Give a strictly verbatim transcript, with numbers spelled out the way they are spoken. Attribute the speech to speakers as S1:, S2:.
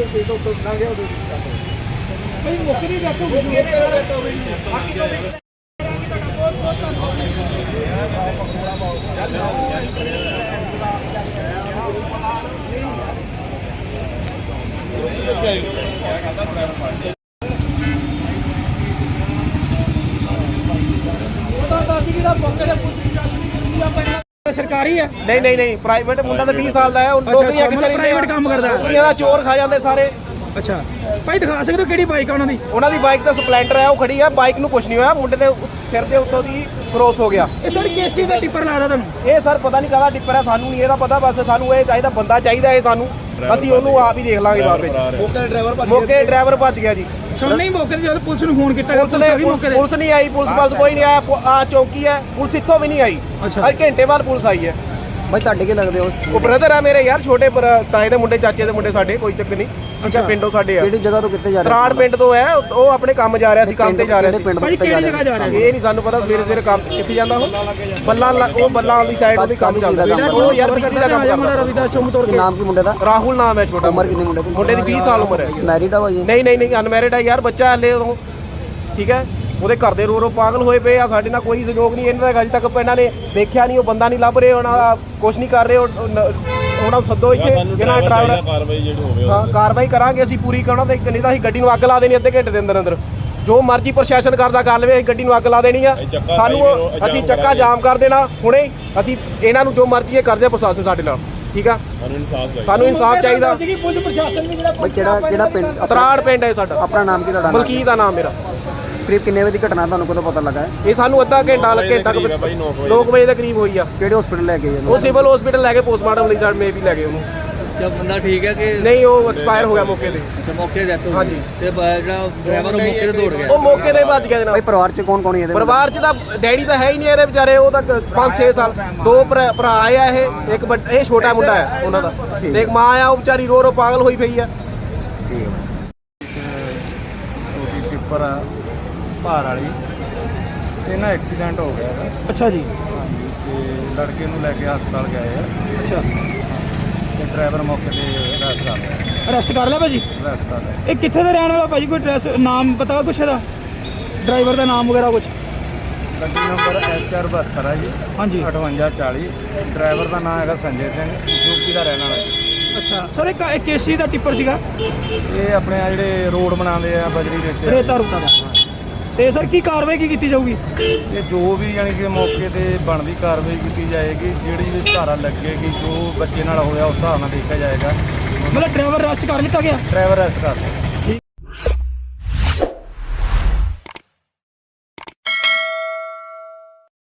S1: ਪੇਟ ਉੱਤੇ ਲੰਘ ਗਿਆ ਉਹਦੇ
S2: ਭਾਈ ਮੌਕੇ ਦੀ ਡੈਥ ਹੋ ਗਈ
S1: ਮੌਕੇ ਤੇ ਬਾਕੀ ਤੋਂ
S2: ਸਰਕਾਰੀ ਹੈ?
S1: ਨਹੀਂ ਨਹੀਂ ਨਹੀਂ ਪ੍ਰਾਈਵੇਟ ਮੁੰਡਾ ਤਾਂ ਵੀਹ ਸਾਲ ਦਾ ਹੈ। ਨੌਕਰੀਆਂ ਕਿੱਥੇ ਰਹਿੰਦੀਆਂ?
S2: ਪ੍ਰਾਈਵੇਟ ਕੰਮ ਕਰਦਾ ਹੈ।
S1: ਨੌਕਰੀਆਂ ਦਾ ਚੋਰ ਖਾ ਜਾਂਦੇ ਸਾਰੇ।
S2: ਅੱਛਾ ਭਾਈ ਦਿਖਾ ਸਕਦੇ ਹੋ ਕਿਹੜੀ ਬਾਈਕ ਆ ਉਹਨਾਂ ਦੀ?
S1: ਉਹਨਾਂ ਦੀ ਬਾਈਕ ਤਾਂ ਸਪਲੈਂਡਰ ਹੈ, ਉਹ ਖੜੀ ਹੈ। ਬਾਈਕ ਨੂੰ ਕੁਝ ਨਹੀਂ ਹੋਇਆ, ਮੁੰਡੇ ਦੇ ਸਿਰ ਦੇ ਉੱਤੋਂ ਦੀ ਕ੍ਰੋਸ ਹੋ ਗਿਆ।
S2: ਇਹ ਸਰ ਕੇਸੀ ਦਾ ਟਿੱਪਰ ਲਾਦਾ ਤੁਹਾਨੂੰ?
S1: ਇਹ ਸਰ ਪਤਾ ਨਹੀਂ ਕਾਹਦਾ ਟਿੱਪਰ ਹੈ, ਸਾਨੂੰ ਨਹੀਂ ਇਹਦਾ ਪਤਾ। ਬਸ ਸਾਨੂੰ ਇਹ ਚਾਹੀਦਾ, ਬੰਦਾ ਚਾਹੀਦਾ ਇਹ ਸਾਨੂੰ, ਅਸੀਂ ਉਹਨੂੰ ਆਪ ਹੀ ਦੇਖ ਲਾਂਗੇ ਬਾਅਦ ਵਿੱਚ। ਮੌਕੇ ਡਰਾਈਵਰ ਮੌਕੇ ਡਰਾਈਵਰ ਭੱਜ ਗਿਆ ਜੀ।
S2: ਅੱਛਾ ਨਹੀਂ ਮੌਕੇ ਤੇ ਜਦੋਂ ਪੁਲਿਸ ਨੂੰ ਫੋਨ ਕੀਤਾ
S1: ਪੁਲਿਸ ਨੇ ਪੁਲਿਸ ਨਹੀਂ ਆਈ, ਪੁਲਿਸ ਵੱਲ ਕੋਈ ਨਹੀਂ ਆਇਆ। ਆ ਚੌਕੀ ਹੈ, ਪੁਲਿਸ ਇੱਥੋਂ ਵੀ ਨਹੀਂ ਆਈ।
S2: ਅੱਛਾ
S1: ਅੱਜ ਘੰਟੇ ਬਾਅਦ ਪੁਲਿਸ ਆਈ ਹੈ।
S2: ਭਾਈ ਤੁਹਾਡੇ ਕੀ ਲੱਗਦੇ ਹੋ?
S1: ਉਹ ਬ੍ਰਦਰ ਆ ਮੇਰੇ ਯਾਰ, ਛੋਟੇ ਤਾਏ ਦੇ ਮੁੰਡੇ, ਚਾਚੇ ਦੇ ਮੁੰਡੇ ਸਾਡੇ, ਕੋਈ ਚੱਕਰ ਨਹੀਂ। ਅੱਛਾ ਪਿੰਡੋਂ ਸਾਡੇ ਆ।
S2: ਕਿਹੜੀ ਜਗ੍ਹਾ ਤੋਂ ਕਿੱਥੇ ਜਾ ਰਹੇ?
S1: ਤਰਾੜ ਪਿੰਡ ਤੋਂ ਹੈ, ਉਹ ਆਪਣੇ ਕੰਮ ਜਾ ਰਿਹਾ ਸੀ, ਕੰਮ ਤੇ ਜਾ ਰਿਹਾ ਸੀ।
S2: ਭਾਈ ਕਿਹੜੀ ਜਗ੍ਹਾ ਜਾ ਰਿਹਾ?
S1: ਇਹ ਨਹੀਂ ਸਾਨੂੰ ਪਤਾ। ਸਵੇਰੇ ਸਵੇਰੇ ਕੰਮ ਕਿੱਥੇ ਜਾਂਦਾ ਉਹ? ਬੱਲਾ ਉਹ ਬੱਲਾ ਵਾਲੀ ਸਾਈਡ ਉਹਦੀ ਕੰਮ ਚੱਲਦਾ। ਉਹ ਯਾਰ ਬਿਜਲੀ ਦਾ ਕੰਮ ਕਰਦਾ।
S2: ਰਵਿਦਾਸ ਚੌਂਕ ਤੋੜ ਕੇ।
S3: ਨਾਮ ਕੀ ਮੁੰਡੇ ਦਾ?
S1: ਰਾਹੁਲ ਨਾਮ ਹੈ। ਛੋਟਾ
S3: ਉਮਰ ਕਿੰਨੀ ਮੁੰਡੇ ਦੀ?
S1: ਮੁੰਡੇ ਦੀ ਵੀਹ ਸਾਲ ਉਮਰ ਹੈ।
S3: ਮੈਰਿਡ ਆ ਭਾਈ?
S1: ਨਹੀਂ ਨਹੀਂ ਨਹੀਂ ਅਨਮੈਰਿਡ ਹੈ ਯਾਰ, ਬੱਚਾ ਹਲੇ ਉਹ। ਠੀਕ ਹੈ, ਉਹਦੇ ਘਰ ਦੇ ਰੋ ਰੋ ਪਾਗਲ ਹੋਏ ਪਏ ਆ। ਸਾਡੇ ਨਾਲ ਕੋਈ ਸਹਿਯੋਗ ਨਹੀਂ ਇਹਨਾਂ ਦਾ। ਅਜੇ ਤੱਕ ਇਹਨਾਂ ਨੇ ਦੇਖਿਆ ਨਹੀਂ, ਉਹ ਬੰਦਾ ਨਹੀਂ ਲੱਭ ਰਹੇ, ਉਹਨਾਂ ਦਾ ਕੁਛ ਨਹੀਂ ਕਰ ਰਹੇ। ਉਹਨਾਂ ਨੂੰ ਸੱਦੋ ਇੱਥੇ, ਜਿਹਨਾਂ ਡਰਾਈਵਰ ਕਾਰਵਾਈ ਜਿਹੜੀ ਹੋਵੇ ਹਾਂ ਕਾਰਵਾਈ ਕਰਾਂਗੇ ਅਸੀਂ ਪੂਰੀ। ਕਰਨਾ ਤੇ ਨਹੀਂ ਤਾਂ ਅਸੀਂ ਗੱਡੀ ਨੂੰ ਅੱਗ ਲਾ ਦੇਣੀ ਅੱਧੇ ਘੰਟੇ ਦੇ ਅੰਦਰ ਅੰਦਰ। ਜੋ ਮਰਜ਼ੀ ਪ੍ਰਸ਼ਾਸਨ ਕਰਦਾ ਕਰ ਲਵੇ, ਅਸੀਂ ਗੱਡੀ ਨੂੰ ਅੱਗ ਲਾ ਦੇਣੀ ਆ। ਸਾਨੂੰ ਅਸੀਂ ਚੱਕਾ ਜਾਮ ਕਰ ਦੇਣਾ ਹੁਣੇ। ਅਸੀਂ ਇਹਨਾਂ ਨੂੰ ਜੋ ਮਰਜ਼ੀ ਇਹ ਕਰਦੇ ਪ੍ਰਸ਼ਾਸਨ ਸਾਡੇ ਨਾਲ। ਠੀਕ ਆ, ਸਾਨੂੰ ਇਨਸਾਫ ਚਾਹੀਦਾ।
S2: ਪੁਲਿਸ ਪ੍ਰਸ਼ਾਸਨ ਵੀ ਜਿਹੜਾ
S3: ਕਿਹੜਾ ਕਿਹੜਾ ਪਿੰਡ?
S1: ਤਰਾੜ ਪਿੰਡ ਹੈ ਸਾਡਾ।
S3: ਆਪਣਾ ਨਾਮ ਕੀ ਤੁਹਾਡਾ?
S1: ਮਲਕੀਤ ਦਾ ਨਾਮ ਮੇਰਾ।
S3: ਕਰੀਬ ਕਿੰਨੇ ਵਜੇ ਦੀ ਘਟਨਾ, ਤੁਹਾਨੂੰ ਕਦੋਂ ਪਤਾ ਲੱਗਾ?
S1: ਇਹ ਸਾਨੂੰ ਅੱਧਾ ਘੰਟਾ ਲੱਗੇ ਤੱਕ ਨੌ ਵਜੇ ਦੇ ਕਰੀਬ ਹੋਈ ਆ।
S3: ਕਿਹੜੇ ਹਸਪੀਟਲ ਲੈ ਕੇ ਗਏ?
S1: ਉਹ ਸਿਵਲ ਹਸਪੀਟਲ ਲੈ ਕੇ ਪੋਸਟਮਾਰਟਮ ਲਈ ਸਾਡੇ ਮੇ ਵੀ ਲੈ ਗਏ ਉਹਨੂੰ।
S4: ਜਦ ਬੰਦਾ ਠੀਕ ਹੈ ਕਿ
S1: ਨਹੀਂ, ਉਹ ਐਕਸਪਾਇਰ ਹੋ ਗਿਆ ਮੌਕੇ ਤੇ।
S4: ਤੇ ਮੌਕੇ ਤੇ ਡੈਥ ਹੋ ਗਈ।
S1: ਹਾਂਜੀ।
S4: ਤੇ ਜਿਹੜਾ ਡਰਾਈਵਰ ਉਹ ਮੌਕੇ ਤੇ ਦੌੜ ਗਿਆ।
S1: ਉਹ ਮੌਕੇ ਤੇ ਭੱਜ ਗਿਆ
S3: ਭਾਈ
S1: ਜਨਾਬ।
S3: ਪਰਿਵਾਰ ਚ ਕੌਣ ਕੌਣ ਹੈ ਇਹਦੇ?
S1: ਪਰਿਵਾਰ ਚ ਤਾਂ ਡੈਡੀ ਤਾਂ ਹੈ ਹੀ ਨਹੀਂ ਇਹਦੇ ਵਿਚਾਰੇ। ਉਹ ਤਾਂ ਪੰਜ ਛੇ ਸਾਲ ਦੋ ਭਰਾ ਭਰਾ ਆ ਇਹ। ਇੱਕ ਵੱਡ- ਇਹ ਛੋਟਾ ਮੁੰਡਾ ਹੈ ਉਹਨਾਂ ਦਾ, ਤੇ ਇੱਕ ਮਾਂ ਆ, ਉਹ ਵਿਚਾਰੀ ਰੋ ਰੋ ਪਾਗਲ ਹੋਈ ਪਈ ਆ।
S5: ਉਹਦੀ ਟਿੱਪਰ ਆ ਭਾਰ ਵਾਲੀ, ਇਹਨਾਂ ਐਕਸੀਡੈਂਟ ਹੋ ਗਿਆ ਹੈ।
S2: ਅੱਛਾ ਜੀ।
S5: ਹਾਂਜੀ, ਤੇ ਲੜਕੇ ਨੂੰ ਲੈ ਕੇ ਹਸਪਤਾਲ ਗਏ ਆ।
S2: ਅੱਛਾ
S5: ਤੇ ਡਰਾਈਵਰ ਮੌਕੇ ਤੇ ਅਰੈਸਟ ਕਰ ਲਿਆ।
S2: ਅਰੈਸਟ ਕਰ ਲਿਆ ਭਾਜੀ?
S5: ਅਰੈਸਟ ਕਰ ਲਿਆ।
S2: ਇਹ ਕਿੱਥੇ ਦਾ ਰਹਿਣ ਵਾਲਾ ਭਾਜੀ? ਕੋਈ ਐਡਰੈਸ ਨਾਮ ਪਤਾ ਕੁਛ ਇਹਦਾ? ਡਰਾਈਵਰ ਦਾ ਨਾਮ ਵਗੈਰਾ ਕੁਛ?
S5: ਗੱਡੀ ਨੰਬਰ ਐਚ ਆਰ ਬਹੱਤਰ ਹੈ ਜੀ।
S2: ਹਾਂਜੀ।
S5: ਅਠਵੰਜਾ ਚਾਲੀ। ਡਰਾਈਵਰ ਦਾ ਨਾਮ ਹੈਗਾ ਸੰਜੇ ਸਿੰਘ, ਯੂਪੀ ਦਾ ਰਹਿਣ ਵਾਲਾ ਜੀ।
S2: ਅੱਛਾ ਸਰ, ਇੱਕ ਇੱਕ ਕੇਸੀ ਦਾ ਟਿੱਪਰ ਸੀਗਾ?
S5: ਇਹ ਆਪਣੇ ਆ ਜਿਹੜੇ ਰੋਡ ਬਣਾਉਂਦੇ ਆ ਬਜਰੀ ਰੇਤੇ
S2: ਰੇਤਾ ਰੁਕਾ ਦਾ। ਤੇ ਸਰ ਕੀ ਕਾਰਵਾਈ ਕੀ ਕੀਤੀ ਜਾਊਗੀ?
S5: ਇਹ ਜੋ ਵੀ ਯਾਨੀ ਕਿ ਮੌਕੇ ਤੇ ਬਣਦੀ ਕਾਰਵਾਈ ਕੀਤੀ ਜਾਏਗੀ। ਜਿਹੜੀ ਵੀ ਧਾਰਾ ਲੱਗੇਗੀ, ਜੋ ਬੱਚੇ ਨਾਲ ਹੋਇਆ ਉਸ ਹਿਸਾਬ ਨਾਲ ਦੇਖਿਆ ਜਾਏਗਾ।
S2: ਮਤਲਬ ਡਰਾਈਵਰ ਅਰੈਸਟ ਕਰ ਲਿੱਤਾ ਗਿਆ?
S5: ਡਰਾਈਵਰ ਅਰੈਸਟ ਕਰ ਲਿਆ।